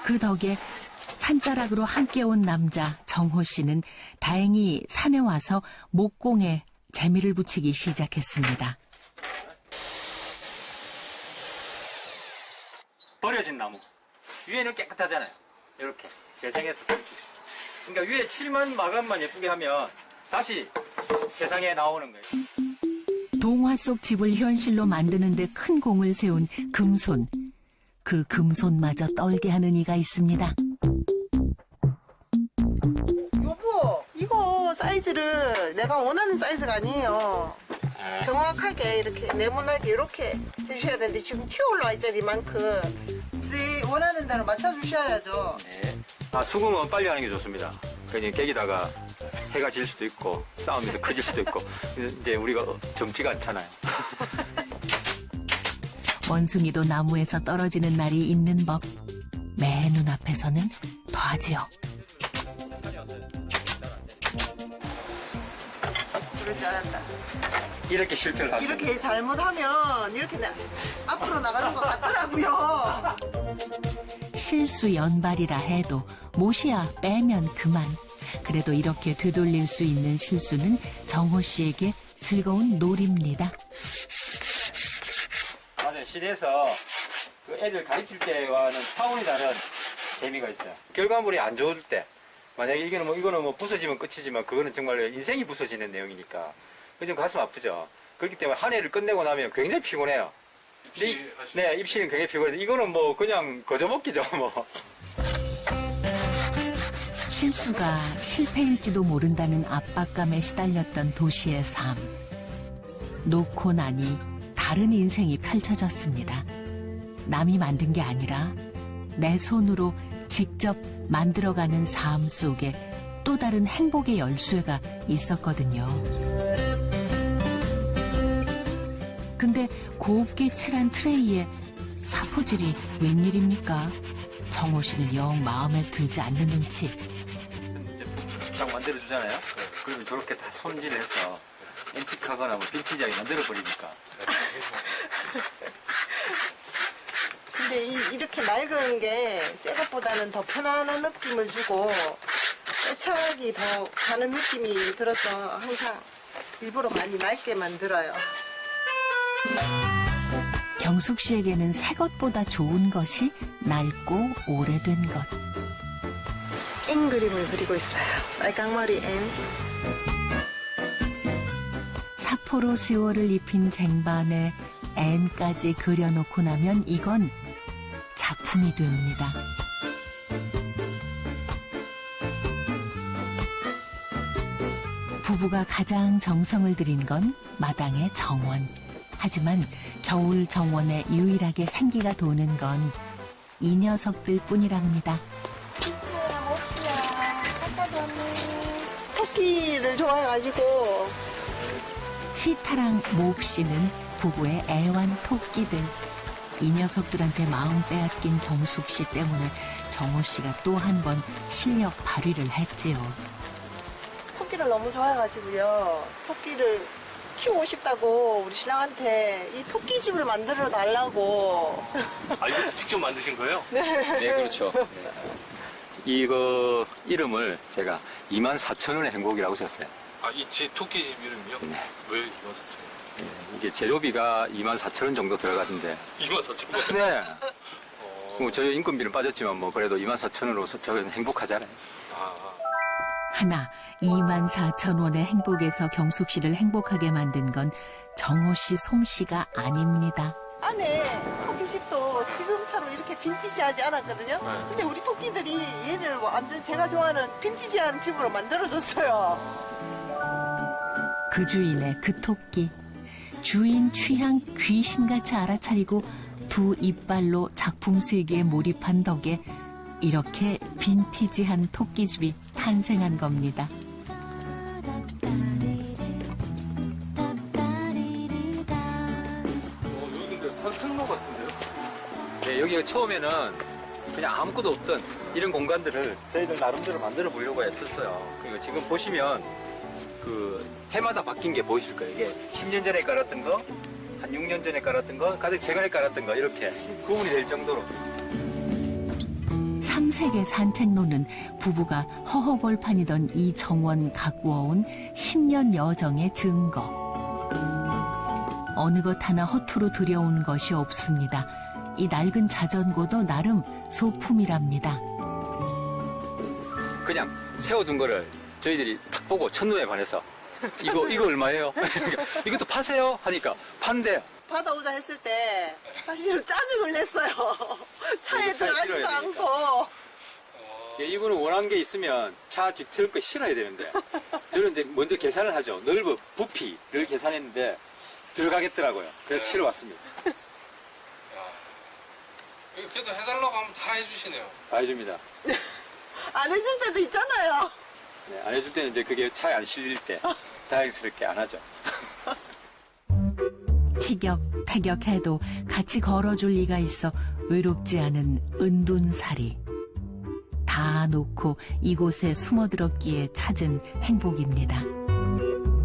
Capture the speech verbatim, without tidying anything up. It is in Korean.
그 덕에 산자락으로 함께 온 남자 정호 씨는 다행히 산에 와서 목공에 재미를 붙이기 시작했습니다. 버려진 나무. 위에는 깨끗하잖아요. 이렇게 재생해서 쓸 수 있어요. 그러니까 위에 칠만 마감만 예쁘게 하면 다시 세상에 나오는 거예요. 동화 속 집을 현실로 만드는 데 큰 공을 세운 금손. 그 금손마저 떨게 하는 이가 있습니다. 여보, 이거 사이즈를 내가 원하는 사이즈가 아니에요. 정확하게 이렇게 네모나게 이렇게 해주셔야 되는데 지금 튀어 올라와 있잖아요, 이만큼. 제 원하는 대로 맞춰주셔야죠. 네. 아, 수긍은 빨리 하는 게 좋습니다. 그냥 깨기다가 해가 질 수도 있고 싸움이 더 커질 수도 있고 이제 우리가 젊지가 않잖아요. 원숭이도 나무에서 떨어지는 날이 있는 법. 매 눈앞에서는 더하지요. 그럴 줄 알았다. 이렇게 실패를 하시면 이렇게 잘못하면 이렇게 나, 앞으로 나가는 것 같더라고요. 실수 연발이라 해도 못이야 빼면 그만. 그래도 이렇게 되돌릴 수 있는 실수는 정호 씨에게 즐거운 놀이입니다. 맞아요. 시내에서 그 애들 가르칠 때와는 차원이 다른 재미가 있어요. 결과물이 안 좋을 때 만약에 이거는 뭐 이거는 뭐 부서지면 끝이지만 그거는 정말 인생이 부서지는 내용이니까 그 좀 가슴 아프죠. 그렇기 때문에 한 해를 끝내고 나면 굉장히 피곤해요. 입시 네, 입시는 굉장히 피곤해요. 이거는 뭐 그냥 거저먹기죠, 뭐. 실수가 실패일지도 모른다는 압박감에 시달렸던 도시의 삶. 놓고 나니 다른 인생이 펼쳐졌습니다. 남이 만든 게 아니라 내 손으로 직접 만들어가는 삶 속에 또 다른 행복의 열쇠가 있었거든요. 근데 곱게 칠한 트레이에 사포질이 웬일입니까? 정호 씨는 영 마음에 들지 않는 눈치. 딱 만들어주잖아요. 그러면 저렇게 다 손질해서 앤틱하거나 뭐 빈티지하게 만들어버리니까. 근데 이, 이렇게 낡은 게 새 것보다는 더 편안한 느낌을 주고 애착이 더 가는 느낌이 들어서 항상 일부러 많이 낡게 만들어요. 경숙 씨에게는 새 것보다 좋은 것이 낡고 오래된 것. 앵 그림을 그리고 있어요. 빨강머리 앵. 사포로 세월을 입힌 쟁반에 앤까지 그려놓고 나면 이건 작품이 됩니다. 부부가 가장 정성을 들인 건 마당의 정원. 하지만 겨울 정원에 유일하게 생기가 도는 건 이 녀석들 뿐이랍니다. 진짜야, 몹시야. 아까 전에 토끼를 좋아해가지고. 치타랑 몹시는 부부의 애완 토끼들. 이 녀석들한테 마음 빼앗긴 경숙 씨 때문에 정호 씨가 또 한 번 실력 발휘를 했지요. 토끼를 너무 좋아해가지고요. 토끼를 키우고 싶다고 우리 신랑한테 이 토끼집을 만들어 달라고. 아, 이것도 직접 만드신 거예요? 네. 네, 그렇죠. 이거 이름을 제가 이만 사천 원의 행복이라고 줬어요. 아, 이 집 토끼집 이름이요? 네. 왜 이만 사천 원? 네, 이게 재료비가 이만 사천 원 정도 들어가던데. 이만 사천 원? 네. 어... 뭐 저희 인건비는 빠졌지만 뭐 그래도 이만 사천 원으로 저는 행복하잖아요. 아, 하나 이만 사천 원의 행복에서 경숙 씨를 행복하게 만든 건 정호 씨 솜씨가 아닙니다. 안에 토끼집도 지금처럼 이렇게 빈티지하지 않았거든요. 네. 근데 우리 토끼들이 얘를 완전 제가 좋아하는 빈티지한 집으로 만들어줬어요. 그 주인의 그 토끼. 주인 취향 귀신같이 알아차리고 두 이빨로 작품 세계에 몰입한 덕에 이렇게 빈티지한 토끼집이 탄생한 겁니다. 어, 여기 근데 산책로 같은데요? 네, 여기가 처음에는 그냥 아무것도 없던 이런 공간들을 저희들 나름대로 만들어 보려고 했었어요. 그리고 지금 보시면 그 해마다 바뀐 게 보이실 거예요. 이게 십 년 전에 깔았던 거, 한 육 년 전에 깔았던 거, 가장 최근에 깔았던 거 이렇게 구분이 될 정도로. 삼 신세계 산책로는 부부가 허허벌판이던 이 정원 가꾸어온 십 년 여정의 증거. 어느 것 하나 허투루 들여온 것이 없습니다. 이 낡은 자전거도 나름 소품이랍니다. 그냥 세워둔 거를 저희들이 탁 보고 첫눈에 반해서 이거 이거 얼마예요? 이것도 파세요? 하니까 판대요. 받아오자 했을 때 사실은 짜증을 냈어요. 차에 이거 차에 들어가지도 실어야 않고. 예, 이분은 원한 게 있으면 차 뒤틀 거 실어야 되는데 저는 이제 먼저 계산을 하죠. 넓어 부피를 계산했는데 들어가겠더라고요. 그래서 네. 실어왔습니다. 그래도 해달라고 하면 다 해주시네요. 다 해줍니다. 안 해줄 때도 있잖아요. 네, 안 해줄 때는 이제 그게 차에 안 실릴 때 다행스럽게 안 하죠. 티격태격해도 같이 걸어줄 리가 있어 외롭지 않은 은둔살이. 다 놓고 이곳에 숨어들었기에 찾은 행복입니다.